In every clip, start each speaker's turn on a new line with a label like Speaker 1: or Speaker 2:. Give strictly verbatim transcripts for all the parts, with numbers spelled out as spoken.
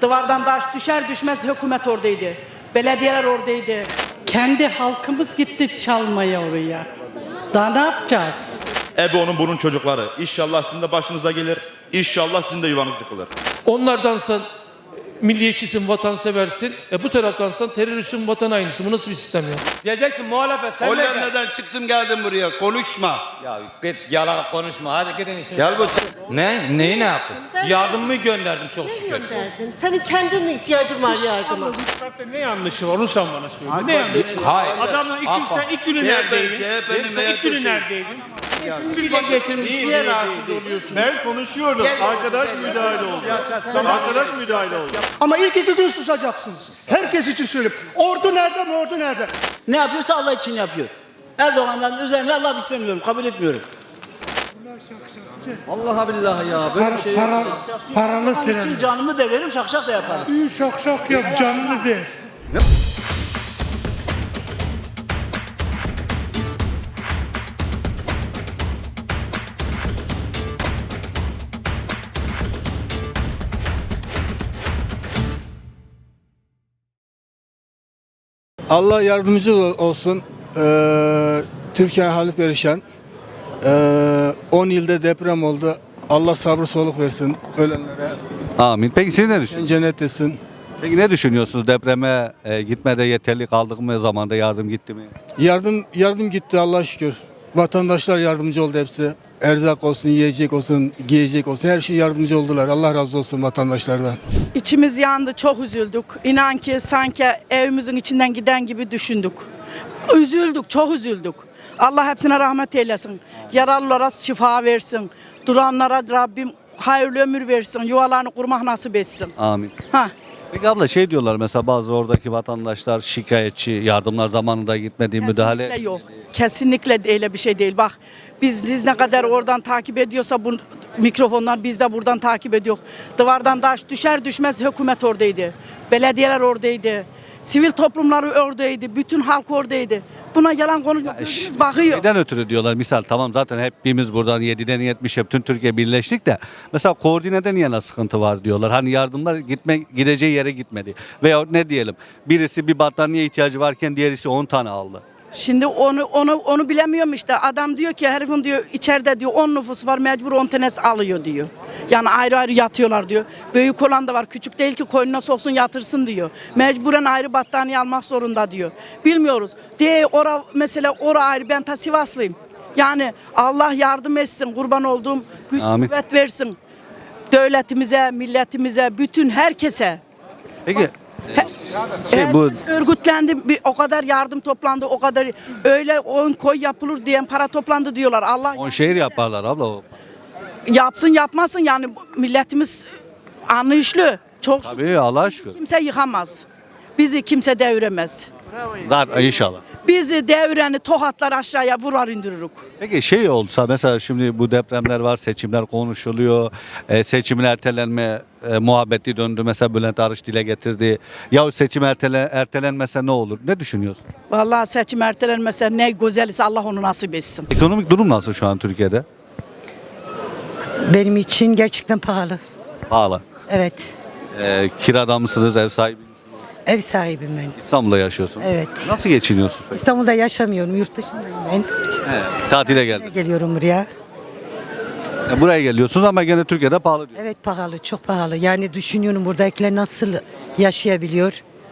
Speaker 1: Duvardan taş düşer düşmez hükümet oradaydı. Belediyeler oradaydı.
Speaker 2: Kendi halkımız gitti çalmaya oraya. Daha ne yapacağız?
Speaker 3: Ebe onun bunun çocukları. İnşallah sizin de başınıza gelir. İnşallah sizin de yuvanız yıkılır.
Speaker 4: Onlardansan milliyetçisin, vatanseversin. E bu taraftansan teröristsin, vatan hainisin. Bu nasıl bir sistem ya?
Speaker 5: Diyeceksin muhalefet sen de gel.
Speaker 6: Hollanda'dan çıktım geldim buraya. Konuşma.
Speaker 5: Ya git yalan konuşma. Hadi gidin işin.
Speaker 6: Gel bu.
Speaker 5: Ne? Neyi ne yaptın? Yardım mı gönderdim çok şükür.
Speaker 7: Gönderdin. Senin kendine ihtiyacın var yardıma.
Speaker 8: Ne yanlışı var onu sen bana söyle. Ne yanlışı?
Speaker 5: Hayır.
Speaker 8: Adamla ilk gün
Speaker 5: Apa.
Speaker 8: sen ilk günü
Speaker 6: C H P,
Speaker 8: neredeydin?
Speaker 6: C H P'nin
Speaker 8: Sen ilk günü
Speaker 6: M H P'si.
Speaker 8: neredeydin?
Speaker 7: Dile getirmiş. Niye rahatsız
Speaker 8: oluyorsun? Ben konuşuyorum. Arkadaş müdahale oldu. Arkadaş müdahale oldu.
Speaker 9: Ama ilk iki gün susacaksınız. Herkes için söylüyorum. Ordu nerede mi? Ordu nerede?
Speaker 10: Ne yapıyorsa Allah için yapıyor. Erdoğan'dan üzerine Allah istemiyorum, kabul etmiyorum. Allah billahi ya. Böyle
Speaker 9: Para,
Speaker 10: bir şey
Speaker 9: para,
Speaker 10: yok.
Speaker 9: paralı
Speaker 10: Onun
Speaker 9: tren.
Speaker 10: için canımı da veririm, şakşak da yaparım.
Speaker 9: İyi şak şak yap, canını ver.
Speaker 11: Allah yardımcı olsun. Ee, Türkiye hali perişan. Ee, on yılda deprem oldu. Allah sabrı soluk versin ölenlere.
Speaker 12: Amin. Peki siz ne düşünüyorsunuz?
Speaker 11: Cennet etsin.
Speaker 12: Peki ne düşünüyorsunuz? Depreme e, gitmede yeterli kaldık mı? Zamanda yardım gitti mi?
Speaker 11: Yardım yardım gitti Allah'a şükür. Vatandaşlar yardımcı oldu hepsi. Erzak olsun, yiyecek olsun, giyecek olsun her şey yardımcı oldular. Allah razı olsun vatandaşlardan.
Speaker 1: İçimiz yandı, çok üzüldük. İnan ki sanki evimizin içinden giden gibi düşündük. Üzüldük, çok üzüldük. Allah hepsine rahmet eylesin. Yaralılara şifa versin. Duranlara Rabbim hayırlı ömür versin. Yuvalarını kurmak nasip etsin.
Speaker 12: Amin.
Speaker 1: Ha.
Speaker 12: Peki abla şey diyorlar mesela bazı oradaki vatandaşlar şikayetçi, yardımlar zamanında gitmediği müdahale.
Speaker 1: Kesinlikle yok. Kesinlikle öyle bir şey değil. Bak biz siz ne kadar oradan takip ediyorsa bu mikrofonlar biz de buradan takip ediyor. Duvardan taş düşer düşmez hükümet oradaydı. Belediyeler oradaydı. Sivil toplumları oradaydı. Bütün halk oradaydı. Buna yalan konuşmak gözümüz bakıyor.
Speaker 12: Neden ötürü diyorlar? Misal tamam zaten hepimiz buradan yediden yetmişe bütün Türkiye birleştik de mesela koordinede niye sıkıntı var diyorlar. Hani yardımlar gitme gideceği yere gitmedi. Veya ne diyelim birisi bir battaniye ihtiyacı varken diğerisi on tane aldı.
Speaker 1: Şimdi onu onu onu bilemiyorum işte. Adam diyor ki herifin diyor içeride diyor on nüfus var mecbur on tanesi alıyor diyor. Yani ayrı ayrı yatıyorlar diyor. Büyük olan da var. Küçük değil ki koynuna soksun yatırsın diyor. Mecburen ayrı battaniye almak zorunda diyor. Bilmiyoruz. Diye ora mesela ora ayrı ben ta Sivaslıyım. Yani Allah yardım etsin. Kurban olduğum güç
Speaker 12: Amin.
Speaker 1: kuvvet versin. Devletimize, milletimize, bütün herkese.
Speaker 12: Peki şey, bu
Speaker 1: Herkes örgütlendi, bir, o kadar yardım toplandı, o kadar öyle on koy yapılır diyen para toplandı diyorlar. Allah
Speaker 12: on şehir yaparlar abla o.
Speaker 1: yapsın yapmasın yani milletimiz anlayışlı. Çok
Speaker 12: Tabii Allah'a şükür.
Speaker 1: kimse yıkamaz. Bizi kimse deviremez.
Speaker 12: Zaten inşallah.
Speaker 1: Bizi devireni tokatlar aşağıya vurar indirirük.
Speaker 12: Peki şey olsa mesela şimdi bu depremler var, seçimler konuşuluyor, e, seçimin ertelenme e, muhabbeti döndü. Mesela Bülent Arınç dile getirdi. Ya seçim ertele, ertelenmese ne olur? Ne düşünüyorsun?
Speaker 1: Vallahi seçim ertelenmese ne güzelse Allah onu nasip etsin.
Speaker 12: Ekonomik durum nasıl şu an Türkiye'de?
Speaker 7: Benim için gerçekten pahalı.
Speaker 12: Pahalı.
Speaker 7: Evet.
Speaker 12: E, kirada mısınız, ev sahibi misiniz?
Speaker 7: Ev sahibim ben.
Speaker 12: İstanbul'da yaşıyorsun.
Speaker 7: Evet.
Speaker 12: Nasıl geçiniyorsun peki?
Speaker 7: İstanbul'da yaşamıyorum. Yurt dışındayım ben.
Speaker 12: He, tatile geldin.
Speaker 7: Geliyorum buraya.
Speaker 12: E, buraya geliyorsunuz ama gene Türkiye'de pahalı diyorsun.
Speaker 7: Evet pahalı. Çok pahalı. Yani düşünüyorum buradakiler nasıl yaşayabiliyor?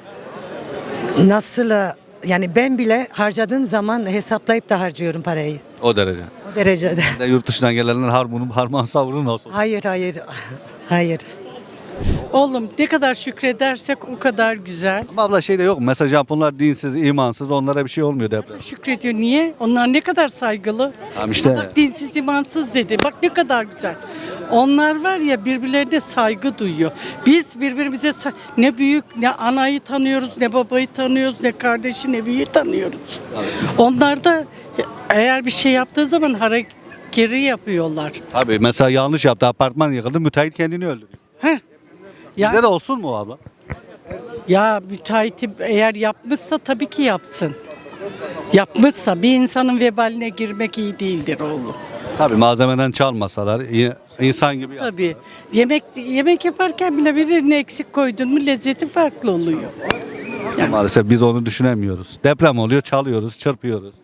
Speaker 7: Nasıl yani ben bile harcadığım zaman hesaplayıp da harcıyorum parayı.
Speaker 12: O derece.
Speaker 7: O derecede.
Speaker 12: Bir de yurt dışından gelenler harmanın harman savurun nasıl?
Speaker 7: Hayır hayır. Hayır.
Speaker 2: Oğlum ne kadar şükredersek o kadar güzel.
Speaker 12: Ama abla şey de yok. Mesela Japonlar dinsiz, imansız onlara bir şey olmuyor deprem.
Speaker 2: Şükrediyor. Niye? Onlar ne kadar saygılı.
Speaker 12: Tamam işte.
Speaker 2: Bak dinsiz imansız dedi. Bak ne kadar güzel. Onlar var ya birbirlerine saygı duyuyor. Biz birbirimize sa- ne büyük ne anayı tanıyoruz, ne babayı tanıyoruz, ne kardeşi ne büyüğü tanıyoruz. Onlar da eğer bir şey yaptığı zaman hareketi yapıyorlar.
Speaker 12: Abi mesela yanlış yaptı, apartman yıkıldı, müteahhit kendini öldürüyor.
Speaker 2: Heh. Ya,
Speaker 12: Bizde de olsun mu abla?
Speaker 2: ya müteahhiti eğer yapmışsa tabii ki yapsın. Yapmışsa bir insanın vebaline girmek iyi değildir oğlum.
Speaker 12: Tabii malzemeden çalmasalar i- insan gibi.
Speaker 2: Tabii. Yemek yemek yaparken bile birini eksik koydun mu lezzeti farklı oluyor.
Speaker 12: Maalesef biz onu düşünemiyoruz. Deprem oluyor, çalıyoruz, çırpıyoruz.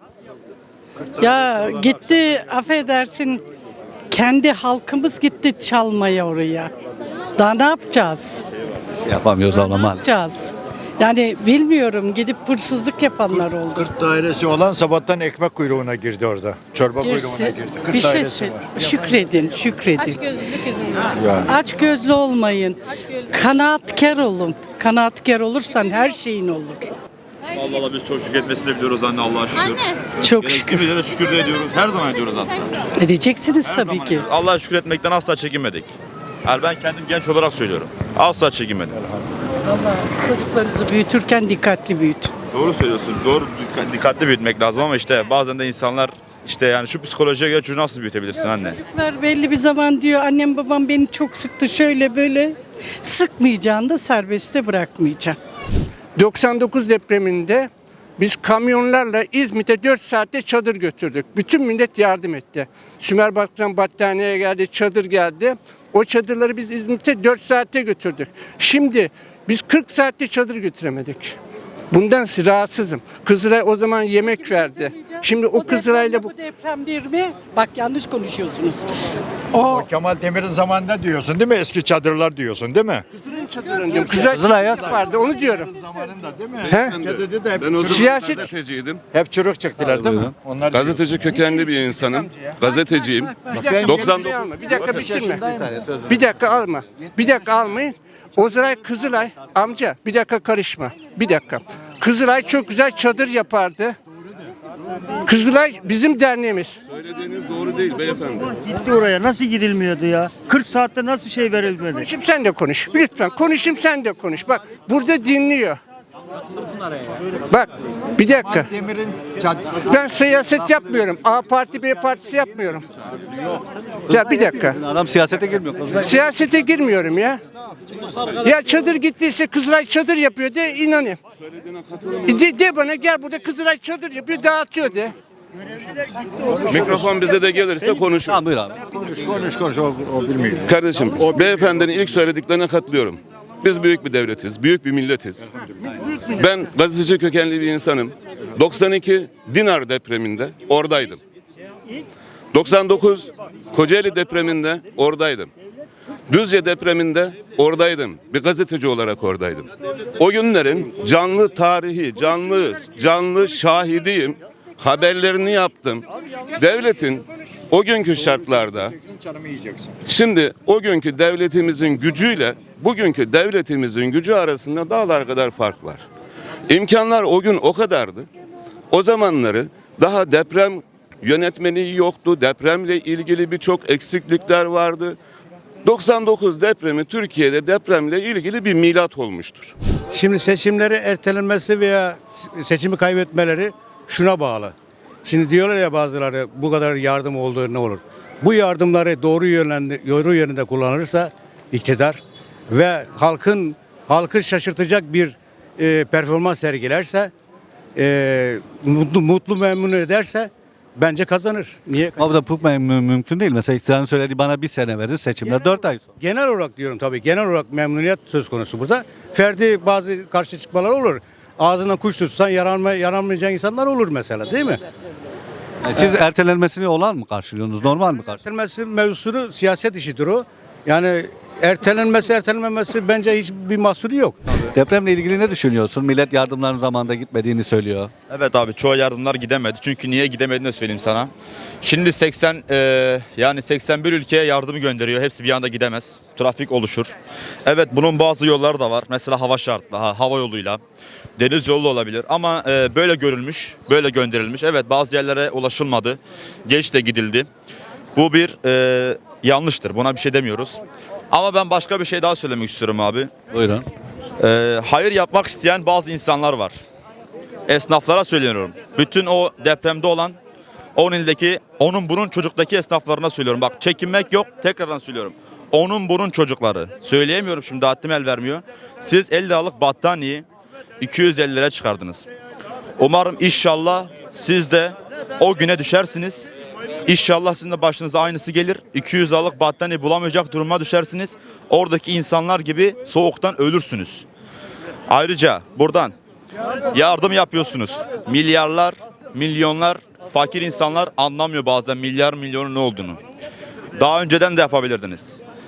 Speaker 2: Ya gitti affedersin kendi halkımız gitti çalmaya oraya. Daha ne yapacağız?
Speaker 12: Yapamıyoruz ama
Speaker 2: Ne
Speaker 12: maalesef.
Speaker 2: yapacağız? Yani bilmiyorum gidip hırsızlık yapanlar oldu.
Speaker 8: Kırk dairesi olan sabahtan ekmek kuyruğuna girdi orada. Çorba
Speaker 2: Girsin.
Speaker 8: kuyruğuna girdi. kırk
Speaker 2: Bir şey
Speaker 8: dairesi
Speaker 2: söyle-
Speaker 8: var.
Speaker 2: şükredin, şükredin.
Speaker 13: Açgözlülük yüzünden.
Speaker 8: Ya.
Speaker 2: Aç gözlü olmayın.
Speaker 13: Açgözlülük.
Speaker 2: Kanaatkar olun. Kanaatkar olursan her şeyin olur.
Speaker 3: Allah Allah biz çok şükretmesini de biliyoruz anne Allah'a şükür.
Speaker 13: Anne.
Speaker 2: Çok şükür.
Speaker 3: Gerektiğimizde de şükür de ediyoruz. Her zaman ediyoruz hatta.
Speaker 2: Edeceksiniz
Speaker 3: Her
Speaker 2: tabii
Speaker 3: zaman
Speaker 2: ki.
Speaker 3: ediyoruz. Allah'a şükür etmekten asla çekinmedik. Yani ben kendim genç olarak söylüyorum. Asla çekinmedim.
Speaker 2: Çocuklarınızı büyütürken dikkatli büyütün.
Speaker 3: Doğru söylüyorsun. Doğru dikkat- dikkatli büyütmek lazım ama işte bazen de insanlar işte yani şu psikolojiye göre çocuğu nasıl büyütebilirsin anne?
Speaker 2: Çocuklar belli bir zaman diyor annem babam beni çok sıktı şöyle böyle. Sıkmayacağını da serbestte bırakmayacağım.
Speaker 9: doksan dokuz depreminde biz kamyonlarla İzmit'e dört saatte çadır götürdük. Bütün millet yardım etti. Sümerbank'tan battaniye geldi, çadır geldi. O çadırları biz İzmit'e dört saatte götürdük. Şimdi biz kırk saatte çadır götüremedik. Bundan rahatsızım. Kızılay o zaman yemek verdi. Şimdi o Kızılay'la bu...
Speaker 2: Bu deprem bir mi? Bak yanlış konuşuyorsunuz. O
Speaker 8: Kemal Demir'in zamanında diyorsun değil mi? Eski çadırlar diyorsun değil mi?
Speaker 9: Kızılay'ın çadırını diyorum. Kızılay çadırı vardı onu diyorum.
Speaker 8: Zamanında değil mi?
Speaker 9: He?
Speaker 8: Dedi de hep,
Speaker 14: Ben o
Speaker 8: çürük,
Speaker 14: zaman
Speaker 9: Siyaset-
Speaker 14: gazeteciydim.
Speaker 8: hep çürük çıktılar değil mi? Onlar
Speaker 14: Gazeteci kökenli bir insanım. Gazeteciyim.
Speaker 8: Ben
Speaker 14: doksan
Speaker 9: Bir dakika, bir dakika bitirme. Bir dakika alma. Bir dakika almayın. Ozray Kızılay amca bir dakika karışma. Bir dakika. Kızılay çok güzel çadır yapardı. Kızılay bizim derneğimiz.
Speaker 14: Söylediğiniz doğru değil beyefendi.
Speaker 10: Gitti oraya nasıl gidilmiyordu ya? kırk saatte nasıl şey verilmedi?
Speaker 9: Konuşayım sen de konuş. Lütfen konuşayım sen de konuş. Bak burada dinliyor. Bak bir dakika.
Speaker 8: Demir'in çadırı.
Speaker 9: Ben siyaset yapmıyorum. A parti B partisi yapmıyorum. Ya bir dakika.
Speaker 12: Adam siyasete girmiyor.
Speaker 9: Siyasete girmiyorum ya. Ya çadır gittiyse Kızılay çadır yapıyor de inanayım. De, de bana gel burada Kızılay çadır yapıyor dağıtıyor de.
Speaker 14: Mikrofon bize de gelirse konuşur.
Speaker 12: Tamam buyur abi.
Speaker 8: Konuş konuş konuş o, o bilmiyor.
Speaker 14: Kardeşim, beyefendinin ilk söylediklerine katılıyorum. Biz büyük bir devletiz, büyük bir milletiz. Ben gazeteci kökenli bir insanım. doksan iki Dinar depreminde oradaydım. doksan dokuz Kocaeli depreminde oradaydım. Düzce depreminde oradaydım. Bir gazeteci olarak oradaydım. O günlerin canlı tarihi, canlı canlı şahidiyim. Haberlerini yaptım. Devletin o günkü şartlarda
Speaker 8: Canımı yiyeceksin.
Speaker 14: şimdi o günkü devletimizin gücüyle bugünkü devletimizin gücü arasında dağlar kadar fark var. İmkanlar o gün o kadardı. O zamanları daha deprem yönetmeliği yoktu. Depremle ilgili birçok eksiklikler vardı. doksan dokuz depremi Türkiye'de depremle ilgili bir milat olmuştur.
Speaker 10: Şimdi seçimleri ertelenmesi veya seçimi kaybetmeleri şuna bağlı. Şimdi diyorlar ya bazıları bu kadar yardım olduğu ne olur? Bu yardımları doğru yönde, doğru yönde kullanırsa iktidar ve halkın halkı şaşırtacak bir e, performans sergilerse e, mutlu mutlu memnun ederse bence kazanır. Niye?
Speaker 12: Abi da bu müm- mümkün değil. Mesela iktidarın söylediği bana bir sene verir seçimler dört ay sonra.
Speaker 10: Genel olarak diyorum tabii. Genel olarak memnuniyet söz konusu burada. Ferdi bazı karşı çıkmalar olur. Ağzına kuş tutsan yaranma, yaranmayacak insanlar olur mesela değil mi?
Speaker 12: Yani siz ertelenmesini olan mı karşılıyorsunuz? Normal mi karşılıyorsunuz?
Speaker 10: Ertelenmesi mevzusunu siyaset işidir o. Yani ertelenmesi ertelenmemesi bence hiçbir mahsuru yok.
Speaker 12: Depremle ilgili ne düşünüyorsun? Millet yardımların zamanında gitmediğini söylüyor.
Speaker 3: Evet abi çoğu yardımlar gidemedi. Çünkü niye gidemediğini de söyleyeyim sana. Şimdi seksen e, yani seksen bir ülkeye yardımı gönderiyor. Hepsi bir anda gidemez. Trafik oluşur. Evet bunun bazı yolları da var. Mesela hava şartlı, ha, hava yoluyla. Deniz yolu olabilir ama e, böyle görülmüş, böyle gönderilmiş. Evet bazı yerlere ulaşılmadı. Geç de gidildi. Bu bir e, yanlıştır. Buna bir şey demiyoruz. Ama ben başka bir şey daha söylemek istiyorum abi.
Speaker 12: Buyurun.
Speaker 3: Ee, hayır yapmak isteyen bazı insanlar var. Esnaflara söylüyorum. Bütün o depremde olan on ildeki, onun bunun çocuktaki esnaflarına söylüyorum. Bak çekinmek yok, tekrardan söylüyorum. Onun bunun çocukları. Söyleyemiyorum şimdi haddim el vermiyor. Siz elli liralık battaniyeyi iki yüz elli liraya çıkardınız. Umarım inşallah siz de o güne düşersiniz. İnşallah sizin de başınıza aynısı gelir. iki yüz liralık battaniye bulamayacak duruma düşersiniz. Oradaki insanlar gibi soğuktan ölürsünüz. Ayrıca buradan yardım yapıyorsunuz. Milyarlar, milyonlar, fakir insanlar anlamıyor bazen milyar milyonun ne olduğunu. Daha önceden de yapabilirdiniz.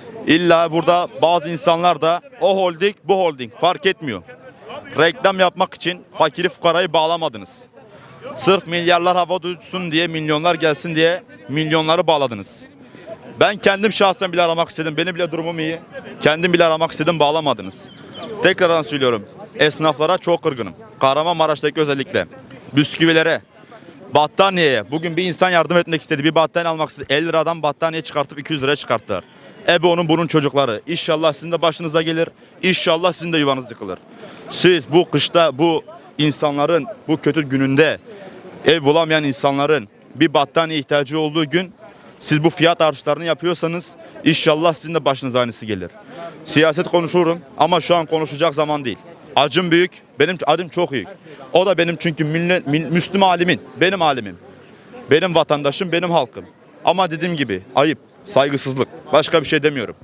Speaker 3: İlla burada bazı insanlar da o holding bu holding fark etmiyor. Reklam yapmak için fakiri fukarayı bağlamadınız. Sırf milyarlar hava duysun diye, milyonlar gelsin diye milyonları bağladınız. Ben kendim şahsen bile aramak istedim. Benim bile durumum iyi. Kendim bile aramak istedim, bağlamadınız. Tekrardan söylüyorum. Esnaflara çok kırgınım. Kahramanmaraş'taki özellikle. Bisküvilere, battaniyeye. Bugün bir insan yardım etmek istedi. Bir battaniye almak istedi. elli liradan battaniye çıkartıp iki yüz liraya çıkarttılar. Ebe onun bunun çocukları. İnşallah sizin de başınıza gelir. İnşallah sizin de yuvanız yıkılır. Siz bu kışta bu insanların bu kötü gününde ev bulamayan insanların bir battaniye ihtiyacı olduğu gün siz bu fiyat artışlarını yapıyorsanız inşallah sizin de başınıza aynısı gelir. Siyaset konuşurum ama şu an konuşacak zaman değil. Acım büyük, benim acım çok büyük. O da benim çünkü millet, Müslüman alimin, benim alimim. Benim vatandaşım, benim halkım. Ama dediğim gibi ayıp, saygısızlık. Başka bir şey demiyorum.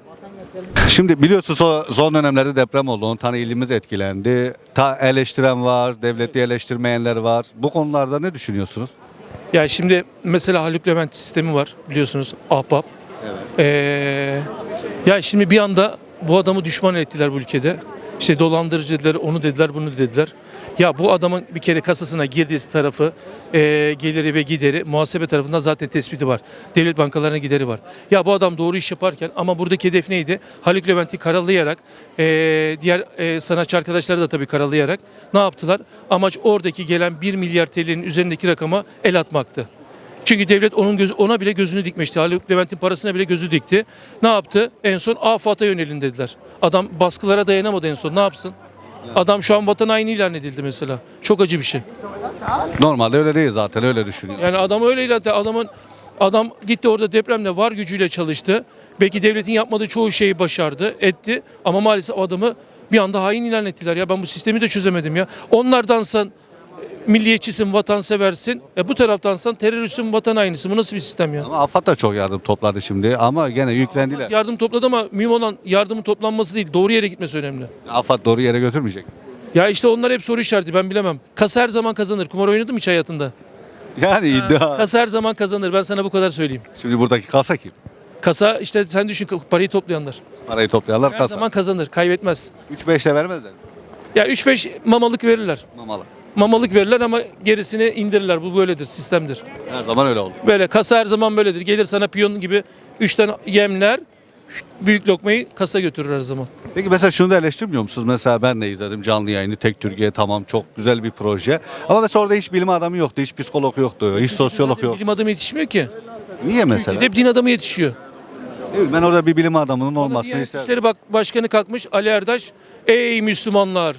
Speaker 12: Şimdi biliyorsunuz o son dönemlerde deprem oldu. on tane ilimiz etkilendi. Ta eleştiren var, devleti eleştirmeyenler var. Bu konularda ne düşünüyorsunuz?
Speaker 4: Ya şimdi mesela Haluk Levent sistemi var biliyorsunuz, ahbap.
Speaker 12: Evet.
Speaker 4: Ee, ya şimdi bir anda bu adamı düşman ettiler bu ülkede. İşte dolandırıcı dediler, onu dediler, bunu dediler. Ya bu adamın bir kere kasasına girdiği tarafı, e, geliri ve gideri muhasebe tarafından zaten tespiti var. Devlet bankalarına gideri var. Ya bu adam doğru iş yaparken ama buradaki hedef neydi? Haluk Levent'i karalayarak, e, diğer e, sanatçı arkadaşları da tabii karalayarak ne yaptılar? Amaç oradaki gelen bir milyar T L'nin üzerindeki rakama el atmaktı. Çünkü devlet onun gözü, ona bile gözünü dikmişti. Haluk Levent'in parasına bile gözü dikti. Ne yaptı? En son AFAD'a yönelin dediler. Adam baskılara dayanamadı en son. Ne yapsın? Adam şu an vatan haini ilan edildi mesela. Çok acı bir şey.
Speaker 12: Normalde öyle değil zaten, öyle düşünüyorum.
Speaker 4: Yani adam öyle ilan etti. Adamın adam gitti orada depremde var gücüyle çalıştı. Belki devletin yapmadığı çoğu şeyi başardı, etti. Ama maalesef adamı bir anda hain ilan ettiler. Ya ben bu sistemi de çözemedim ya. Onlardansan milliyetçisin, vatanseversin. E bu taraftansan teröristsin, vatan hainisin. Bu nasıl bir sistem ya?
Speaker 12: Ama AFAD da çok yardım topladı şimdi ama gene yüklendiler.
Speaker 4: Yardım topladı ama mühim olan yardımın toplanması değil, doğru yere gitmesi önemli.
Speaker 12: AFAD doğru yere götürmeyecek.
Speaker 4: Ya işte onlar hep soru işareti, ben bilemem. Kasa her zaman kazanır. Kumar oynadın mı hiç hayatında?
Speaker 12: Yani iddia.
Speaker 4: Kasa her zaman kazanır. Ben sana bu kadar söyleyeyim.
Speaker 12: Şimdi buradaki kasa kim?
Speaker 4: Kasa işte sen düşün, parayı toplayanlar.
Speaker 12: Parayı toplayanlar
Speaker 4: Her
Speaker 12: kasa.
Speaker 4: zaman kazanır, kaybetmez.
Speaker 12: üç beş de vermezler.
Speaker 4: Ya üç beş mamalık verirler.
Speaker 12: Mamalı.
Speaker 4: Mamalık verirler ama gerisini indirirler. Bu böyledir, sistemdir.
Speaker 12: Her zaman öyle oldu.
Speaker 4: Böyle kasa her zaman böyledir. Gelir sana piyon gibi üç tane yemler, büyük lokmayı kasa götürür her zaman.
Speaker 12: Peki mesela şunu da eleştirmiyor musunuz? Mesela ben de izledim canlı yayını. Tek Türkiye, tamam, çok güzel bir proje. Ama mesela orada hiç bilim adamı yoktu, hiç psikolog yoktu, hiç sosyolog
Speaker 4: Zaten
Speaker 12: yok.
Speaker 4: bilim adamı yetişmiyor ki.
Speaker 12: Niye mesela?
Speaker 4: Hep din adamı yetişiyor.
Speaker 12: Değil mi? Ben orada bir bilim adamının
Speaker 4: Bana
Speaker 12: olmasını
Speaker 4: Diyanet
Speaker 12: isterdim.
Speaker 4: İşleri bak Başkanı kalkmış, Ali Erdaş, ey Müslümanlar,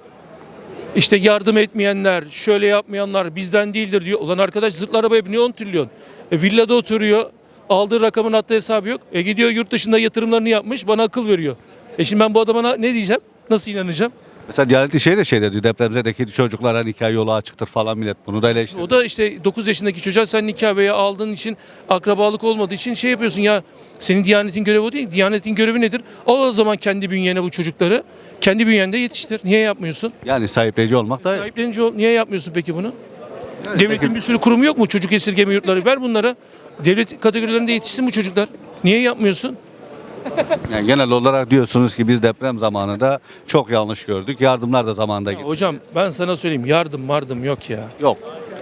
Speaker 4: işte yardım etmeyenler, şöyle yapmayanlar bizden değildir diyor. Ulan arkadaş zırhlı arabaya biniyor on trilyon. E, villada oturuyor, aldığı rakamın hatta hesabı yok. E gidiyor yurt dışında yatırımlarını yapmış, bana akıl veriyor. E şimdi ben bu adama ne diyeceğim? Nasıl inanacağım?
Speaker 12: Mesela Diyanet İşleri de şey dedi, depremzedeki çocuklara hani nikah yolu açıktır falan, millet bunu da eleştirdi.
Speaker 4: O da işte dokuz yaşındaki çocuğa sen nikah veya aldığın için, akrabalık olmadığı için şey yapıyorsun ya. Senin Diyanet'in görevi o değil. Diyanet'in görevi nedir? Al o zaman kendi bünyene bu çocukları. Kendi bünyende yetiştir. Niye yapmıyorsun?
Speaker 12: Yani sahipleyici olmak da
Speaker 4: Sahiplenici ol. Niye yapmıyorsun peki bunu? Devletin bir sürü kurumu yok mu? Çocuk esirgeme yurtları ver bunlara. Devlet kategorilerinde yetişsin bu çocuklar. Niye yapmıyorsun?
Speaker 12: yani genel olarak diyorsunuz ki biz deprem zamanında çok yanlış gördük. Yardımlar da zamanında gitti.
Speaker 4: Hocam ben sana söyleyeyim, yardım mardım yok ya.
Speaker 12: Yok.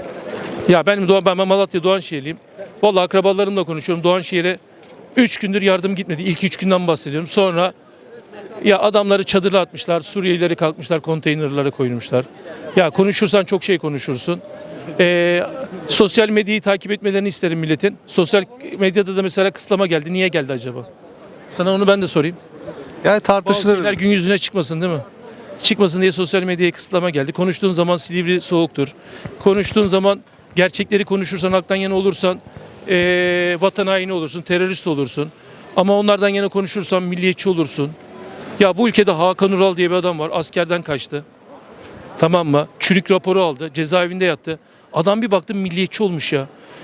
Speaker 4: Ya benim Doğan, ben Malatya Doğanşehirliyim. Vallahi akrabalarımla konuşuyorum. Doğanşehir'e üç gündür yardım gitmedi. İlk üç günden bahsediyorum. Sonra ya adamları çadırla atmışlar. Suriyelileri kalkmışlar, konteynerlara koymuşlar. Ya konuşursan çok şey konuşursun. Ee, sosyal medyayı takip etmelerini isterim milletin. Sosyal medyada da mesela kısıtlama geldi. Niye geldi acaba? Sana onu ben de sorayım.
Speaker 12: Yani
Speaker 4: Bazı
Speaker 12: tartışılır.
Speaker 4: şeyler gün yüzüne çıkmasın değil mi? Çıkmasın diye sosyal medyaya kısıtlama geldi. Konuştuğun zaman Silivri soğuktur. Konuştuğun zaman gerçekleri konuşursan, halktan yana olursan ee, vatan haini olursun, terörist olursun. Ama onlardan yana konuşursan milliyetçi olursun. Ya bu ülkede Hakan Ural diye bir adam var. Askerden kaçtı. Tamam mı? Çürük raporu aldı. Cezaevinde yattı. Adam bir baktım milliyetçi olmuş ya.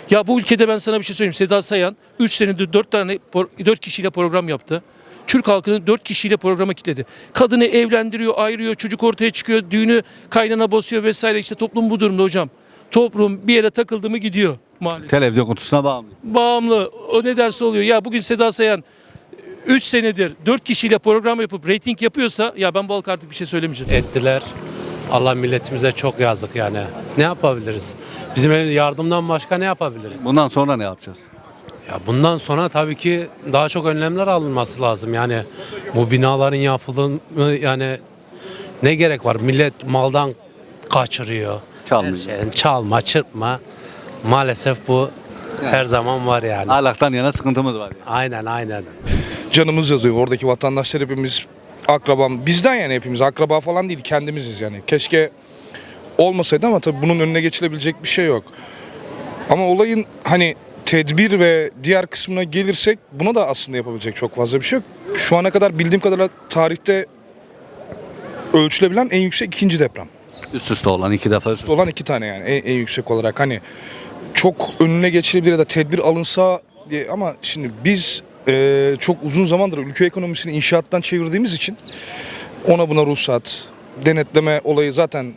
Speaker 4: Ya bu ülkede ben sana bir şey söyleyeyim. Seda Sayan üç senedir dört tane dört kişiyle program yaptı. Türk halkını dört kişiyle programa kilitledi. Kadını evlendiriyor, ayırıyor, çocuk ortaya çıkıyor, düğünü kaynana basıyor vesaire. İşte toplum bu durumda hocam. Toplum bir yere takıldı mı gidiyor maalesef.
Speaker 12: Televizyon kutusuna bağımlı.
Speaker 4: Bağımlı. O ne derse oluyor. Ya bugün Seda Sayan üç senedir dört kişiyle program yapıp reyting yapıyorsa ya ben bu halka artık bir şey söylemeyeceğim.
Speaker 5: Ettiler. Allah milletimize çok yazık yani. Ne yapabiliriz? Bizim yardımdan başka ne yapabiliriz?
Speaker 12: Bundan sonra ne yapacağız?
Speaker 5: Ya bundan sonra tabii ki daha çok önlemler alınması lazım. Yani bu binaların yapılımı yani ne gerek var? Millet maldan kaçırıyor.
Speaker 12: Çalmıyor.
Speaker 5: Her şeyden çalma, çırpma. Maalesef bu her zaman var yani.
Speaker 12: Ahlaktan yana sıkıntımız var. Yani.
Speaker 5: Aynen aynen.
Speaker 8: Canımız yazıyor. Oradaki vatandaşlar hepimiz akrabam. Bizden yani hepimiz akraba falan değil. Kendimiziz yani. Keşke olmasaydı ama tabii bunun önüne geçilebilecek bir şey yok. Ama olayın hani tedbir ve diğer kısmına gelirsek buna da aslında yapabilecek çok fazla bir şey yok. Şu ana kadar bildiğim kadarıyla tarihte ölçülebilen en yüksek ikinci deprem.
Speaker 12: Üst üste olan iki defa.
Speaker 8: Üst olan iki tane yani en, en yüksek olarak hani çok önüne geçilebilir ya da tedbir alınsa diye ama şimdi biz e, çok uzun zamandır ülke ekonomisini inşaattan çevirdiğimiz için ona buna ruhsat, denetleme olayı zaten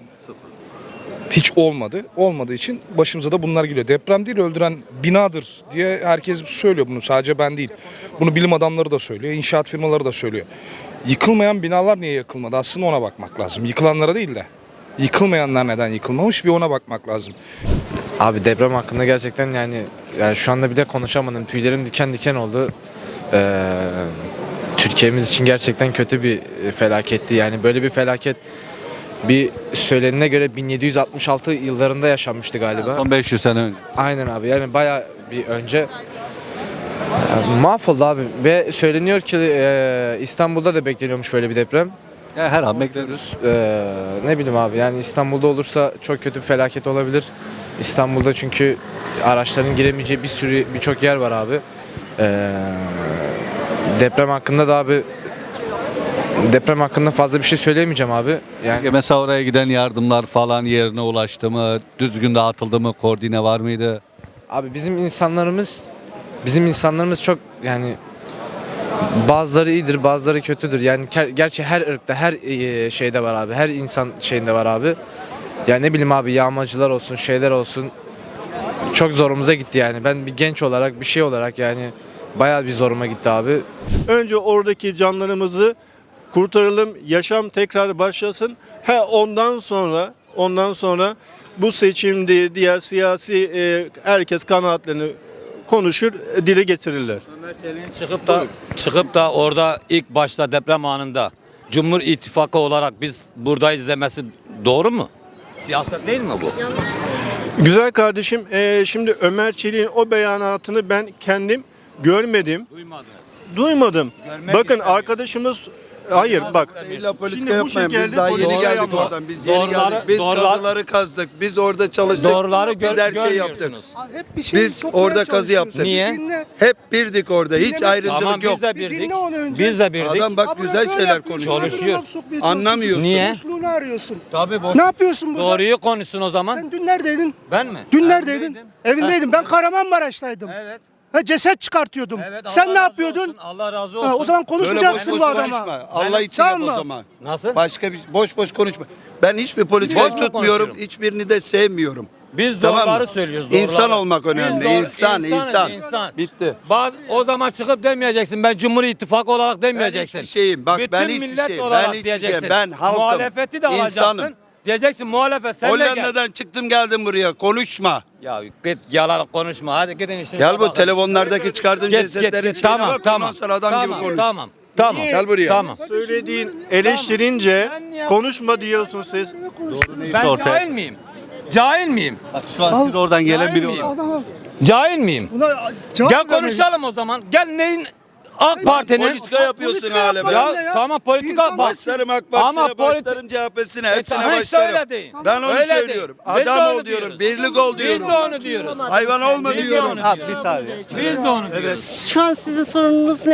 Speaker 8: hiç olmadı. Olmadığı için başımıza da bunlar geliyor. Deprem değil öldüren binadır diye herkes söylüyor bunu. Sadece ben değil. Bunu bilim adamları da söylüyor. İnşaat firmaları da söylüyor. Yıkılmayan binalar niye yıkılmadı? Aslında ona bakmak lazım. Yıkılanlara değil de. Yıkılmayanlar neden yıkılmamış bir ona bakmak lazım.
Speaker 13: Abi deprem hakkında gerçekten yani, yani şu anda bile konuşamadım. Tüylerim diken diken oldu. Ee, Türkiye'miz için gerçekten kötü bir felaketti. Yani böyle bir felaket bir söylenene göre bin yedi yüz altmış altı yıllarında yaşanmıştı galiba.
Speaker 12: Son beş yüz sene önce.
Speaker 13: Aynen abi yani bayağı bir önce. Ee, mahvoldu abi ve söyleniyor ki e, İstanbul'da da bekleniyormuş böyle bir deprem.
Speaker 12: Ya her an bekliyoruz.
Speaker 13: Ee, ne bileyim abi yani İstanbul'da olursa çok kötü bir felaket olabilir. İstanbul'da çünkü araçların giremeyeceği bir sürü birçok yer var abi. Ee, deprem hakkında da abi deprem hakkında fazla bir şey söyleyemeyeceğim abi. Yani
Speaker 12: mesela oraya giden yardımlar falan yerine ulaştı mı? Düzgün dağıtıldı mı? Koordine var mıydı?
Speaker 13: abi bizim insanlarımız bizim insanlarımız çok yani bazıları iyidir, bazıları kötüdür. Yani ger- gerçi her ırkta, her e, şeyde var abi. Her insan şeyinde var abi. Yani ne bileyim abi yağmacılar olsun, şeyler olsun. Çok zorumuza gitti yani. Ben bir genç olarak, bir şey olarak yani bayağı bir zoruma gitti abi.
Speaker 8: Önce oradaki canlarımızı kurtaralım, yaşam tekrar başlasın. Ha ondan sonra, ondan sonra bu seçimde diğer siyasi e, herkes kanaatlerini konuşur, dile getirirler.
Speaker 5: Ömer Çelik'in çıkıp da çıkıp da orada ilk başta deprem anında Cumhur İttifakı olarak biz buradayız demesi doğru mu? Siyaset değil mi bu?
Speaker 8: Güzel kardeşim, e, şimdi Ömer Çelik'in o beyanatını ben kendim görmedim.
Speaker 5: Duymadınız.
Speaker 8: Duymadım.
Speaker 5: Görmek
Speaker 8: Bakın
Speaker 5: istedim.
Speaker 8: arkadaşımız hayır bak.
Speaker 6: İlla politika
Speaker 8: Şimdi bu
Speaker 6: yapmayın.
Speaker 8: şekilde
Speaker 6: Biz daha yeni
Speaker 8: politika
Speaker 6: geldik
Speaker 8: yapma.
Speaker 6: oradan. Biz yeni
Speaker 5: Doğruları-
Speaker 6: geldik. Biz
Speaker 5: doğrular-
Speaker 6: kazıları kazdık. Biz orada çalıştık.
Speaker 5: Doğruları gör,
Speaker 6: Biz her şeyi yaptık.
Speaker 5: görmüyorsunuz.
Speaker 15: Hep bir şey
Speaker 6: Biz orada kazı yaptık.
Speaker 5: Niye?
Speaker 6: Hep birdik orada. Hiç
Speaker 15: Dinleme-
Speaker 6: ayrımcılık
Speaker 5: Tamam
Speaker 6: yok.
Speaker 5: biz de
Speaker 15: Bir
Speaker 5: birdik.
Speaker 15: dinle onu önce.
Speaker 5: Biz de birdik.
Speaker 6: Adam bak
Speaker 15: Abla
Speaker 6: güzel
Speaker 15: böyle
Speaker 6: şeyler
Speaker 15: yapıyorsun,
Speaker 6: konuşuyor.
Speaker 5: Konuşuyor.
Speaker 15: laf sokmaya
Speaker 6: Anlamıyorsun.
Speaker 5: Niye?
Speaker 15: Boşluğunu arıyorsun.
Speaker 5: Tabii boş.
Speaker 15: Ne yapıyorsun burada?
Speaker 5: Doğruyu konuşsun o zaman.
Speaker 15: Sen dün neredeydin?
Speaker 5: Ben mi?
Speaker 15: Dün neredeydin?
Speaker 5: Evimdeydim.
Speaker 15: Evindeydim. Ben Kahramanmaraş'taydım.
Speaker 5: Evet.
Speaker 15: Ha, ceset çıkartıyordum.
Speaker 5: Evet.
Speaker 15: Sen
Speaker 5: Allah
Speaker 15: ne
Speaker 5: razı
Speaker 15: yapıyordun?
Speaker 5: olsun, Allah razı olsun.
Speaker 15: Ha, o zaman
Speaker 6: Böyle boş
Speaker 15: konuşmayacaksın
Speaker 6: boş
Speaker 15: bu adama.
Speaker 6: konuşma. Allah için
Speaker 15: Tamam
Speaker 6: yap o
Speaker 15: mı?
Speaker 6: zaman.
Speaker 5: Nasıl?
Speaker 6: Başka bir boş boş konuşma. Ben hiçbir politikayı
Speaker 5: Boş mu
Speaker 6: tutmuyorum.
Speaker 5: konuşuyorum?
Speaker 6: Hiçbirini de sevmiyorum.
Speaker 5: Biz
Speaker 6: Tamam
Speaker 5: doğruları
Speaker 6: mı?
Speaker 5: söylüyoruz. Doğruları.
Speaker 6: İnsan olmak
Speaker 5: Biz
Speaker 6: önemli.
Speaker 5: doğru-
Speaker 6: İnsan,
Speaker 5: insanız,
Speaker 6: insan.
Speaker 5: insan.
Speaker 6: Bitti.
Speaker 5: Baz, o zaman çıkıp demeyeceksin. Ben Cumhur İttifakı olarak
Speaker 6: Ben
Speaker 5: demeyeceksin.
Speaker 6: hiçbir şeyim. Bak
Speaker 5: Bütün
Speaker 6: ben hiçbir
Speaker 5: millet
Speaker 6: şeyim.
Speaker 5: olarak
Speaker 6: Ben hiçbir
Speaker 5: diyeceksin.
Speaker 6: şeyim. Ben halkım.
Speaker 5: Muhalefeti de alacaksın.
Speaker 6: İnsanım.
Speaker 5: Diyeceksin muhalefet sen de gel.
Speaker 6: Hollanda'dan çıktım geldim buraya. Konuşma.
Speaker 5: Ya git yalan konuşma. Hadi gidin işinize
Speaker 6: Gel bu
Speaker 5: bakın.
Speaker 6: telefonlardaki çıkardığın
Speaker 5: Git,
Speaker 6: cesetlerin
Speaker 5: git, git.
Speaker 6: şeyine
Speaker 5: Tamam,
Speaker 6: bak.
Speaker 5: tamam.
Speaker 6: Ondan sonra adam
Speaker 5: tamam,
Speaker 6: gibi konuş.
Speaker 5: Tamam. Tamam.
Speaker 6: Gel buraya.
Speaker 5: Tamam.
Speaker 8: Söylediğin eleştirince konuşma diyorsun siz.
Speaker 5: Ben
Speaker 12: ortaya-
Speaker 5: cahil miyim? Cahil miyim?
Speaker 12: Bak şu an siz oradan gelen biri
Speaker 5: miyim?
Speaker 12: olarak.
Speaker 15: Adama
Speaker 5: Cahil miyim?
Speaker 15: buna cevap
Speaker 5: Gel
Speaker 15: vermeyin.
Speaker 5: konuşalım o zaman. Gel neyin AK Parti'nin
Speaker 6: Politika yapıyorsun
Speaker 15: politika
Speaker 6: hala be.
Speaker 15: yapma.
Speaker 5: ya,
Speaker 15: ya.
Speaker 5: tamam politika
Speaker 15: İnsan
Speaker 5: bak.
Speaker 6: Başlarım AK
Speaker 5: Ama
Speaker 6: Partisi'ne,
Speaker 5: politi-
Speaker 6: başlarım C H P'sine,
Speaker 5: E,
Speaker 6: hepsine
Speaker 5: tamam, işte
Speaker 6: başlarım.
Speaker 5: öyle deyin.
Speaker 6: Ben onu
Speaker 5: Öyle
Speaker 6: söylüyorum.
Speaker 5: deyin. Biz de
Speaker 6: Adam
Speaker 5: onu
Speaker 6: ol diyorum,
Speaker 5: diyoruz.
Speaker 6: birlik ol
Speaker 5: Biz
Speaker 6: diyorum.
Speaker 5: de onu diyoruz.
Speaker 6: Hayvan olma
Speaker 5: Biz de
Speaker 6: diyorum.
Speaker 5: onu
Speaker 12: Ha,
Speaker 5: diyoruz.
Speaker 12: bir saniye.
Speaker 5: Biz de onu diyoruz.
Speaker 7: Şu an sizin sorununuz ne?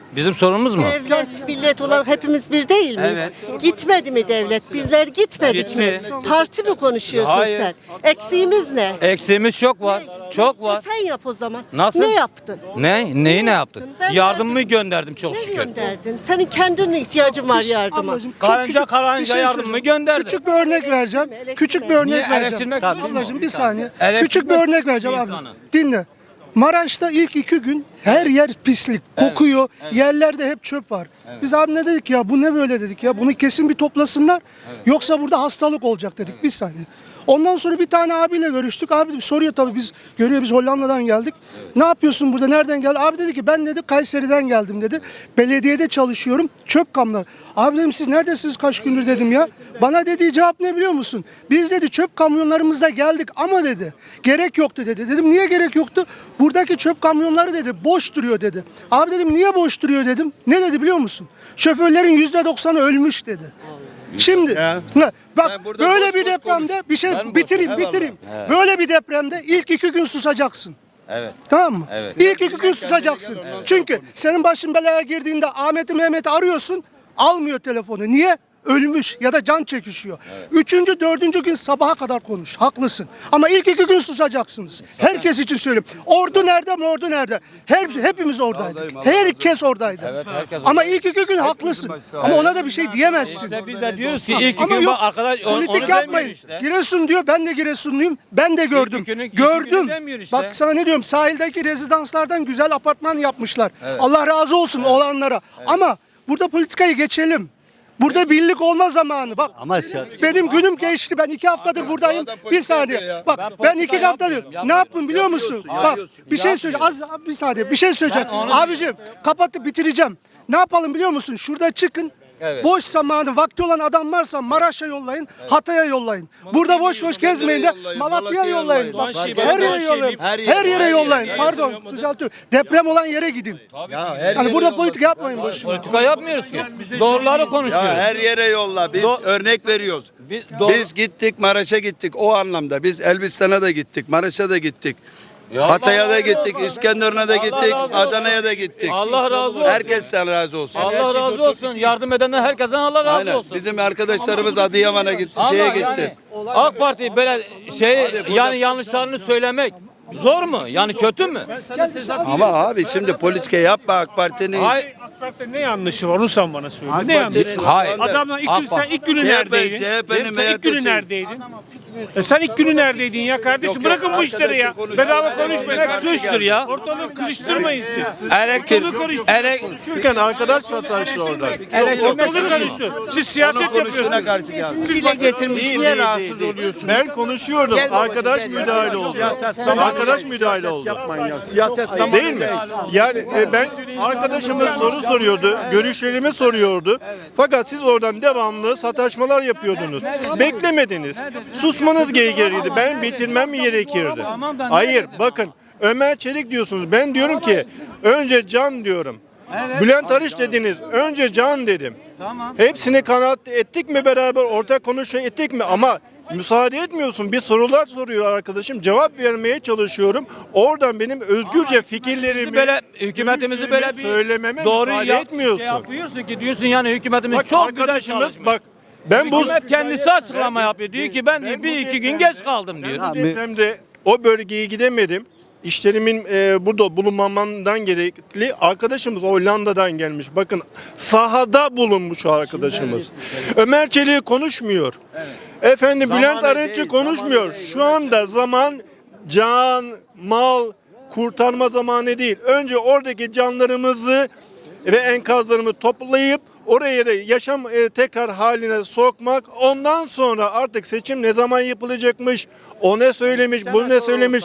Speaker 16: Bizim sorunumuz mu?
Speaker 17: Devlet, millet olarak hepimiz bir değil miyiz?
Speaker 16: Evet.
Speaker 17: Gitmedi mi devlet? Bizler gitmedik mi?
Speaker 16: Gitti.
Speaker 17: Parti mi konuşuyorsun
Speaker 16: Hayır.
Speaker 17: sen? Eksiğimiz ne?
Speaker 16: Eksiğimiz çok var. Çok
Speaker 17: E
Speaker 16: var.
Speaker 17: sen yap o zaman.
Speaker 16: Nasıl?
Speaker 17: Ne yaptın?
Speaker 16: Ne? Neyi ne yaptın?
Speaker 17: Ben
Speaker 16: Yardımımı gönderdim çok
Speaker 17: Ne
Speaker 16: şükür.
Speaker 17: gönderdin? Senin kendine ihtiyacın var yardıma.
Speaker 15: Ablacığım, çok
Speaker 16: Karınca
Speaker 15: küçük bir
Speaker 16: karınca
Speaker 15: şey
Speaker 16: yardımımı
Speaker 15: söyleyeyim.
Speaker 16: gönderdim.
Speaker 15: Küçük bir örnek vereceğim.
Speaker 17: eleştirme.
Speaker 15: Küçük bir örnek
Speaker 16: Niye
Speaker 15: vereceğim.
Speaker 16: eleştirmek
Speaker 15: Ablacığım bir saniye.
Speaker 16: Eleştirmek
Speaker 15: Küçük bir örnek vereceğim abi.
Speaker 16: insanı.
Speaker 15: Dinle. Maraş'ta ilk iki gün her yer pislik, kokuyor. Yerlerde hep çöp var. Biz abi ne dedik ya, bu ne böyle dedik ya. Bunu kesin bir toplasınlar. Yoksa burada hastalık olacak dedik. Bir saniye. Ondan sonra bir tane abiyle görüştük. Abi soruyor tabii, biz görüyor, biz Hollanda'dan geldik. Ne yapıyorsun burada, nereden geldin? Abi dedi ki ben dedi Kayseri'den geldim dedi. Belediyede çalışıyorum, çöp kamyonu. Abi dedim siz neredesiniz kaç gündür dedim ya. Bana dediği cevap ne biliyor musun? Biz dedi çöp kamyonlarımızda geldik ama dedi gerek yoktu dedi. Dedim niye gerek yoktu? Buradaki çöp kamyonları dedi boş duruyor dedi. Abi dedim niye boş duruyor dedim. Ne dedi biliyor musun? Şoförlerin yüzde doksanı ölmüş dedi. Şimdi ne? Bak
Speaker 6: Ben burada
Speaker 15: böyle
Speaker 6: boş
Speaker 15: bir
Speaker 6: boş
Speaker 15: depremde bir şey
Speaker 16: Ben boş
Speaker 15: bitireyim
Speaker 6: boş-
Speaker 15: bitireyim.
Speaker 16: Evet.
Speaker 15: Böyle bir depremde ilk iki gün susacaksın.
Speaker 16: Evet.
Speaker 15: Tamam mı?
Speaker 16: Evet.
Speaker 15: İlk iki gün susacaksın. Çünkü senin başın belaya girdiğinde Ahmet'i Mehmet'i arıyorsun, almıyor telefonu. Niye? Ölmüş ya da can çekişiyor. Üçüncü, dördüncü gün sabaha kadar konuş. Haklısın. Ama ilk iki gün susacaksınız. Herkes için söylüyorum. Ordu nerede mi? Ordu nerede? Her, hepimiz oradaydık. Herkes oradaydı.
Speaker 16: Evet, herkes
Speaker 15: Ama ilk iki gün haklısın. Ama ona da bir şey diyemezsin.
Speaker 16: İşte biz de diyoruz ki ilk
Speaker 15: Ama
Speaker 16: gün
Speaker 15: yok,
Speaker 16: bak arkadaş onu, onu
Speaker 15: politik
Speaker 16: demiyor
Speaker 15: yapmayın.
Speaker 16: işte.
Speaker 15: Giresun diyor, ben de Giresunluyum. Ben de gördüm.
Speaker 16: iki günü- iki
Speaker 15: gördüm.
Speaker 16: günü demiyor işte.
Speaker 15: Bak sana ne diyorum, sahildeki rezidanslardan güzel apartman yapmışlar. Allah razı olsun olanlara. Ama burada politikayı geçelim. Burada birlik olma zamanı. Bak
Speaker 12: Ama siyaset-
Speaker 15: benim günüm geçti. Ben iki haftadır buradayım. Bir saniye. Bak ben, iki haftadır. Ne yaptım biliyor musun? Bak bir şey söyleyeceğim. Az, az bir saniye. Bir şey söyleyeceğim. Abicim kapatıp bitireceğim. Ne yapalım biliyor musun? Şurada çıkın.
Speaker 16: Evet.
Speaker 15: Boş zamanı, vakti olan adam varsa Maraş'a yollayın, Hatay'a yollayın. Burada boş boş gezmeyin de
Speaker 6: yollayın,
Speaker 15: Malatya'ya
Speaker 6: Malatya'ya
Speaker 15: yollayın.
Speaker 6: yollayın.
Speaker 15: Bak,
Speaker 6: Doğanşehir,
Speaker 15: her yere
Speaker 6: Doğanşehir,
Speaker 15: yollayın.
Speaker 6: her
Speaker 15: Her
Speaker 6: yere,
Speaker 15: yere
Speaker 6: her
Speaker 15: yollayın.
Speaker 6: yere.
Speaker 15: Pardon, düzeltiyorum. Deprem olan yere gidin.
Speaker 6: Ya her
Speaker 15: Yani
Speaker 6: yere
Speaker 15: burada
Speaker 6: yolla.
Speaker 15: politika yapmayın boş.
Speaker 16: Politika yapmıyoruz ki. Doğruları konuşuyoruz.
Speaker 6: Ya her yere yolla. Biz
Speaker 16: Do-
Speaker 6: örnek veriyoruz.
Speaker 16: Biz doğru-
Speaker 6: Biz gittik Maraş'a gittik o anlamda. Biz Elbistan'a da gittik, Maraş'a da gittik. Hatay'a da gittik, İskenderun'a da gittik,
Speaker 16: razı olsun.
Speaker 6: Adana'ya da gittik.
Speaker 16: Allah razı olsun.
Speaker 6: Herkesten razı olsun.
Speaker 16: Allah razı olsun. Yardım edenler herkesten Allah razı
Speaker 6: Aynen.
Speaker 16: olsun.
Speaker 6: Bizim arkadaşlarımız Adıyaman'a gitti,
Speaker 16: Ama
Speaker 6: şeye
Speaker 16: yani
Speaker 6: gitti.
Speaker 16: AK Parti böyle şey yani yanlışlarını söylemek zor mu? Yani kötü mü?
Speaker 6: Ama abi şimdi politika yapma AK Parti'nin.
Speaker 16: Hayır.
Speaker 18: AK Parti'de ne yanlışı var onu sen bana söyle.
Speaker 6: AK
Speaker 18: Ne yanlışı
Speaker 6: Parti'nin
Speaker 18: var?
Speaker 16: Hayır.
Speaker 18: Adamla ilk gün,
Speaker 16: AK
Speaker 18: sen ilk günü
Speaker 6: C H P
Speaker 18: neredeydin?
Speaker 6: C H P'nin
Speaker 18: Sen ilk günü
Speaker 6: M H P'si.
Speaker 18: neredeydin? E sen ilk günü neredeydin ya kardeşim?
Speaker 6: Yok,
Speaker 18: Bırakın
Speaker 6: yok,
Speaker 18: bu işleri ya.
Speaker 6: arkadaşım
Speaker 18: Bedava
Speaker 6: konuşuyor.
Speaker 18: konuşmayın.
Speaker 6: Aynen.
Speaker 16: Suçtur ya.
Speaker 18: Ortalığı kızıştırmayın siz.
Speaker 16: Elektrik,
Speaker 18: Ortalığı karıştırmayın.
Speaker 16: elek,
Speaker 18: Konuşurken arkadaş sataştı orada. Ortalığı karıştı. Siz siyaset yapıyorsunuz. Siz dile getirmiş. Niye rahatsız oluyorsunuz?
Speaker 19: Ben konuşuyordum. Arkadaş müdahale oldu. Arkadaş müdahale oldu.
Speaker 10: Yapmayın ya. Siyaset tamam.
Speaker 19: Değil mi? Yani e, ben arkadaşımız soru soruyordu, görüşlerimi soruyordu. Fakat siz oradan devamlı sataşmalar yapıyordunuz. Beklemediniz. Susmanız gerekirdi. Ben bitirmem gerekirdi. Hayır, bakın Ömer Çelik diyorsunuz. Ben diyorum ki önce can diyorum. Bülent Arınç dediniz. Önce can dedim. Hepsini kanaat ettik mi beraber, ortak konuşma ettik mi? Ama müsaade etmiyorsun. Bir sorular soruyor arkadaşım. Cevap vermeye çalışıyorum. Oradan benim özgürce fikirlerimi,
Speaker 16: böyle hükümetimizi böyle bir
Speaker 19: söylememe
Speaker 16: doğru
Speaker 19: müsaade
Speaker 16: ya,
Speaker 19: etmiyorsun.
Speaker 16: şey yapıyorsun ki diyorsun yani hükümetimiz
Speaker 19: Bak
Speaker 16: çok güzel
Speaker 19: arkadaşımız
Speaker 16: çalışmış.
Speaker 19: bak ben bu
Speaker 16: Hükümet kendisi açıklama yapıyor. Diyor ki ben,
Speaker 19: Ben bu
Speaker 16: bir iki gün
Speaker 19: depremde-
Speaker 16: geç kaldım diyor.
Speaker 19: bu depremde o bölgeye gidemedim. İşlerimin e, burada bulunmamamdan gerekli. Arkadaşımız Hollanda'dan gelmiş. Bakın sahada bulunmuş o arkadaşımız. Ömer Çelik konuşmuyor. Efendim
Speaker 16: Zamanı
Speaker 19: Bülent Arınç'ı
Speaker 16: değil,
Speaker 19: konuşmuyor.
Speaker 16: zamanı değil.
Speaker 19: Şu anda zaman, can, mal kurtarma zamanı değil. Önce oradaki canlarımızı ve enkazlarımı toplayıp oraya da yaşam e, tekrar haline sokmak. Ondan sonra artık seçim ne zaman yapılacakmış, o ne söylemiş, bu ne söylemiş.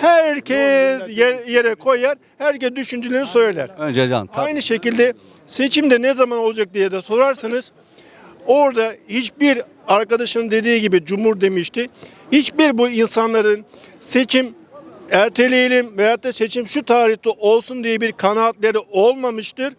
Speaker 19: Herkes yer, yere koyar, herkes düşüncelerini söyler.
Speaker 12: Önce can. tabii.
Speaker 19: Aynı şekilde seçimde ne zaman olacak diye de sorarsanız orada hiçbir arkadaşının dediği gibi Cumhur demişti. Hiçbir bu insanların seçim erteleyelim veyahut da seçim şu tarihte olsun diye bir kanaatleri olmamıştır.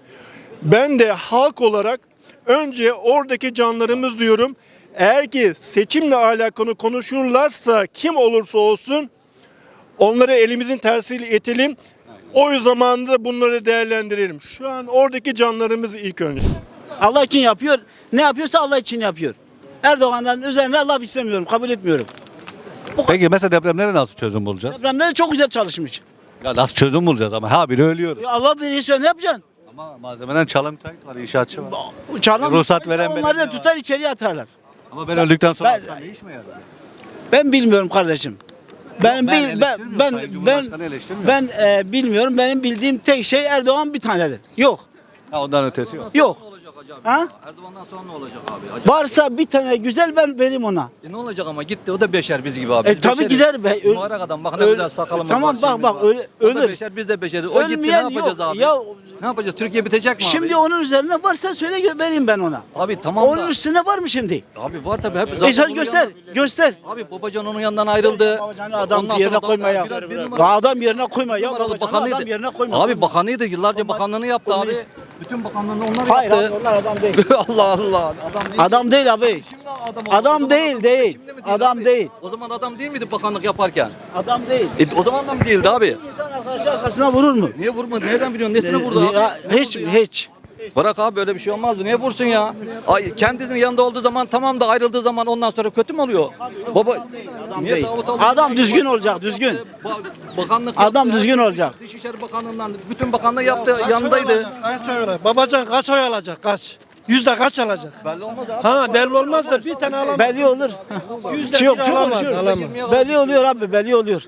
Speaker 19: Ben de halk olarak önce oradaki canlarımız diyorum. Eğer ki seçimle alakalı konuşurlarsa kim olursa olsun onları elimizin tersiyle itelim. O zamanında bunları değerlendirelim. Şu an oradaki canlarımız ilk önce.
Speaker 18: Allah için yapıyor. Ne yapıyorsa Allah için yapıyor. Erdoğan'dan üzerine laf istemiyorum, kabul etmiyorum.
Speaker 12: Peki mesela depremlere nasıl çözüm bulacağız?
Speaker 18: Depremde de çok güzel çalışmış.
Speaker 12: Ya nasıl çözüm bulacağız ama ha biri ölüyor.
Speaker 18: Ya Allah verirse ne yapacaksın?
Speaker 12: Ama malzemeden çalım müteahhit var, inşaatçı var.
Speaker 18: Çalan
Speaker 12: Ruhsat veren
Speaker 18: onları da
Speaker 12: belediye
Speaker 18: tutar içeriye atarlar.
Speaker 12: Ama ben öldükten sonra
Speaker 18: Ben-
Speaker 12: ben, ne iş mi yarar?
Speaker 18: Ben bilmiyorum kardeşim. Ben
Speaker 12: ben
Speaker 18: bil, ben
Speaker 12: eleştirmiyorum,
Speaker 18: ben
Speaker 12: Sayın
Speaker 18: ben
Speaker 12: Cumhurbaşkanı eleştirmiyor.
Speaker 18: ben e, bilmiyorum. Benim bildiğim tek şey Erdoğan bir tanedir. Yok.
Speaker 12: Ha, ondan ötesi yok.
Speaker 18: Yok. Ha?
Speaker 12: Erdoğan'dan sonra ne olacak abi?
Speaker 18: Varsa bir tane güzel ben vereyim ona.
Speaker 12: E ne olacak ama gitti o da beşer biz gibi abi.
Speaker 18: E
Speaker 12: Biz
Speaker 18: tabii
Speaker 12: beşeriz.
Speaker 18: gider be. Öl-
Speaker 12: Mübarek adam bakın
Speaker 18: öl-
Speaker 12: ne güzel sakalımız
Speaker 18: Tamam
Speaker 12: var,
Speaker 18: bak
Speaker 12: şeyimiz
Speaker 18: bak
Speaker 12: var.
Speaker 18: öyle
Speaker 12: O da
Speaker 18: ölür.
Speaker 12: beşer biz de beşeriz. O gitti ne
Speaker 18: Ölmeyen
Speaker 12: yapacağız
Speaker 18: yok.
Speaker 12: abi?
Speaker 18: Ya
Speaker 12: Ne yapacağız? Türkiye bitecek mi
Speaker 18: şimdi
Speaker 12: abi?
Speaker 18: onun üzerine varsa söyle gö- vereyim ben ona.
Speaker 12: Abi tamam
Speaker 18: Onun
Speaker 12: da.
Speaker 18: üstüne var mı şimdi?
Speaker 12: Abi var tabii. Hep
Speaker 18: E sen
Speaker 12: onun
Speaker 18: göster,
Speaker 12: yanından-
Speaker 18: göster.
Speaker 12: Abi Babacan onun yanından ayrıldı.
Speaker 18: Adam
Speaker 12: Ondan
Speaker 18: yerine
Speaker 12: sonra
Speaker 18: koyma ya.
Speaker 12: biraz bir
Speaker 18: Ya
Speaker 12: numara-
Speaker 18: adam yerine koyma ya.
Speaker 12: numaralı
Speaker 18: Babacanı
Speaker 12: bakanıydı.
Speaker 18: adam yerine koyma.
Speaker 12: Abi bakanıydı. Yıllarca bakanlığını yaptı abi.
Speaker 18: Komünist.
Speaker 12: Bütün bakanlığını onlar
Speaker 18: Hayır
Speaker 12: yaptı.
Speaker 18: abi onlar adam değil.
Speaker 12: Allah Allah. Adam değil.
Speaker 18: Adam değil abi.
Speaker 12: Şimdi adam, oldu. O
Speaker 18: Adam
Speaker 12: zaman
Speaker 18: değil
Speaker 12: adam-
Speaker 18: değil.
Speaker 12: Şimdi mi
Speaker 18: Adam
Speaker 12: abi?
Speaker 18: değil.
Speaker 12: O zaman adam değil miydi bakanlık yaparken?
Speaker 18: Adam değil.
Speaker 12: E, o zaman da mı değildi abi?
Speaker 18: İnsan arkadaşlar arkasına vurur mu?
Speaker 12: Niye vurmadı? Nereden biliyorsun? Nesine vurdu abi?
Speaker 18: Ya,
Speaker 12: Ne
Speaker 18: hiç
Speaker 12: vurdu ya?
Speaker 18: hiç.
Speaker 12: Bırak abi böyle bir şey olmazdı. Niye vursun ya? Ay kendisinin yanında olduğu zaman tamam da ayrıldığı zaman ondan sonra kötü mü oluyor? Baba
Speaker 18: Adam
Speaker 12: niye
Speaker 18: değil.
Speaker 12: Davut Albayrak-
Speaker 18: Adam düzgün olacak, düzgün.
Speaker 12: Ba- Bakanlık
Speaker 18: Adam
Speaker 12: yaptı,
Speaker 18: düzgün
Speaker 12: her-
Speaker 18: olacak.
Speaker 12: Dışişleri Bakanlığından bütün bakanlığı yaptı. Yanındaydı.
Speaker 20: Kaç oy alacak? Babacan kaç oy alacak? Kaç? Yüzde kaç alacak?
Speaker 12: Belli olmaz abi.
Speaker 20: Ha belli olmaz da bir tane alamaz.
Speaker 18: Belli olur.
Speaker 20: Yüzde
Speaker 18: Çok
Speaker 20: bir
Speaker 18: çok
Speaker 20: alamaz,
Speaker 18: konuşuyoruz.
Speaker 20: alamaz.
Speaker 18: Belli oluyor abi, belli oluyor.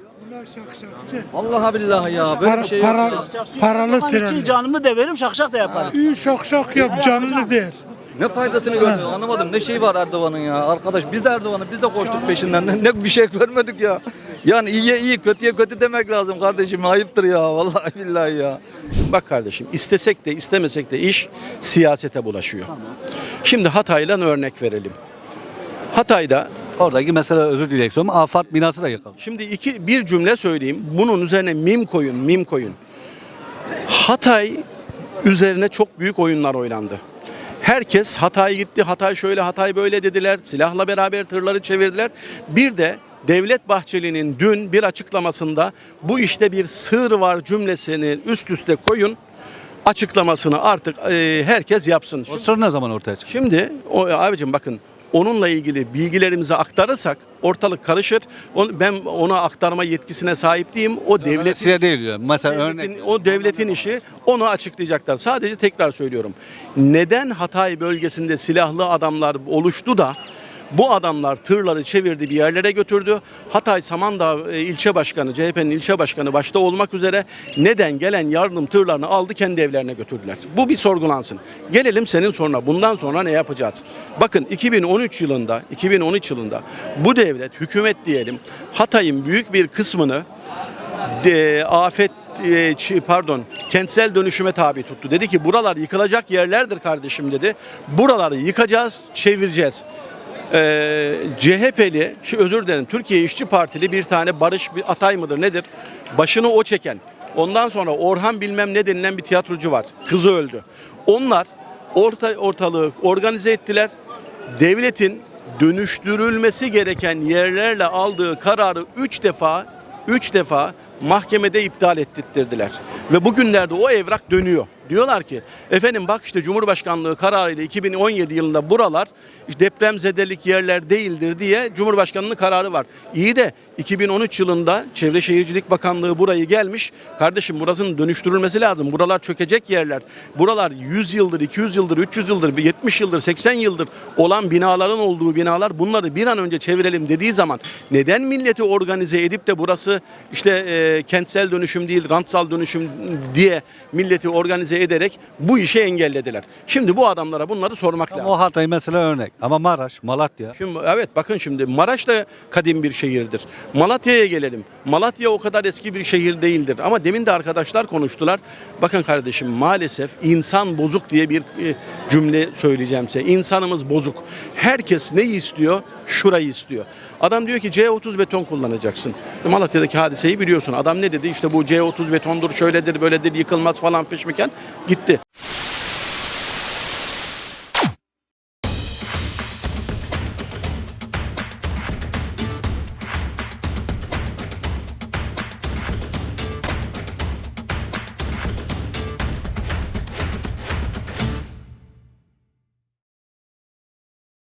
Speaker 12: Vallahi billahi ya. Böyle bir şey yok. ya.
Speaker 15: Paralı
Speaker 18: Onun için canımı da veririm, şakşak da yaparım.
Speaker 15: İyi şak şak yap canını ver.
Speaker 12: Ne faydasını gördün anlamadım. Ne şey var Erdoğan'ın ya. Arkadaş biz de Erdoğan'ı biz de koştuk peşinden. Ne, ne bir şey görmedik ya. Yani iyiye iyi kötüye kötü demek lazım kardeşim. Ayıptır ya. Vallahi billahi ya.
Speaker 21: Bak kardeşim istesek de istemesek de iş siyasete bulaşıyor. Şimdi Hatay'dan örnek verelim. Hatay'da
Speaker 12: Oradaki mesela özür dileyerek söylüyorum. Afat binası da yıkıldı.
Speaker 21: şimdi iki bir cümle söyleyeyim. Bunun üzerine mim koyun, mim koyun. Hatay üzerine çok büyük oyunlar oynandı. Herkes Hatay gitti, Hatay şöyle, Hatay böyle dediler. Silahla beraber tırları çevirdiler. Bir de Devlet Bahçeli'nin dün bir açıklamasında bu işte bir sır var cümlesini üst üste koyun. Açıklamasını artık e, herkes yapsın.
Speaker 12: O sır ne zaman ortaya çıktı?
Speaker 21: Şimdi o abicim bakın onunla ilgili bilgilerimizi aktarırsak ortalık karışır. On- Ben ona aktarma yetkisine sahip değilim. O devletin
Speaker 12: Size değil diyor. Mesela
Speaker 21: devletin,
Speaker 12: örnek.
Speaker 21: o devletin işi onu açıklayacaklar. Sadece tekrar söylüyorum. Neden Hatay bölgesinde silahlı adamlar oluştu da bu adamlar tırları çevirdi bir yerlere götürdü. Hatay Samandağ e, ilçe başkanı, C H P'nin ilçe başkanı başta olmak üzere neden gelen yardım tırlarını aldı kendi evlerine götürdüler. Bu bir sorgulansın. Gelelim senin sonra bundan sonra ne yapacağız? Bakın iki bin on üç yılında, iki bin on üç yılında bu devlet, hükümet diyelim Hatay'ın büyük bir kısmını de, afet e, ç- pardon kentsel dönüşüme tabi tuttu. Dedi ki buralar yıkılacak yerlerdir kardeşim dedi. Buraları yıkacağız, çevireceğiz. Ee, C H P'li, şu özür dilerim Türkiye İşçi Partili bir tane Barış bir Atay mıdır nedir? Başını o çeken. Ondan sonra Orhan bilmem ne denilen bir tiyatrocu var. Kızı öldü. Onlar orta, ortalığı organize ettiler. Devletin dönüştürülmesi gereken yerlerle aldığı kararı üç defa üç defa mahkemede iptal ettirdiler. Ve bugünlerde o evrak dönüyor. Diyorlar ki efendim bak işte Cumhurbaşkanlığı kararıyla iki bin on yedi yılında buralar depremzedelik yerler değildir diye Cumhurbaşkanlığı kararı var. İyi de iki bin on üç yılında Çevre Şehircilik Bakanlığı burayı gelmiş. Kardeşim burasının dönüştürülmesi lazım. Buralar çökecek yerler. Buralar yüz yıldır, iki yüz yıldır, üç yüz yıldır, yetmiş yıldır, seksen yıldır olan binaların olduğu binalar. Bunları bir an önce çevirelim dediği zaman neden milleti organize edip de burası işte e, kentsel dönüşüm değil, rantsal dönüşüm diye milleti organize ederek bu işi engellediler. Şimdi bu adamlara bunları sormak lazım.
Speaker 12: O Hatay mesela örnek. Ama Maraş, Malatya.
Speaker 21: Şimdi evet bakın şimdi Maraş da kadim bir şehirdir. Malatya'ya gelelim. Malatya o kadar eski bir şehir değildir. Ama demin de arkadaşlar konuştular. Bakın kardeşim maalesef insan bozuk diye bir e, cümle söyleyeceğim size. İnsanımız bozuk. Herkes neyi istiyor? Şurayı istiyor. Adam diyor ki C otuz beton kullanacaksın. Malatya'daki hadiseyi biliyorsun. Adam ne dedi? İşte bu C otuz betondur, şöyledir, böyledir, yıkılmaz falan fişmiken gitti.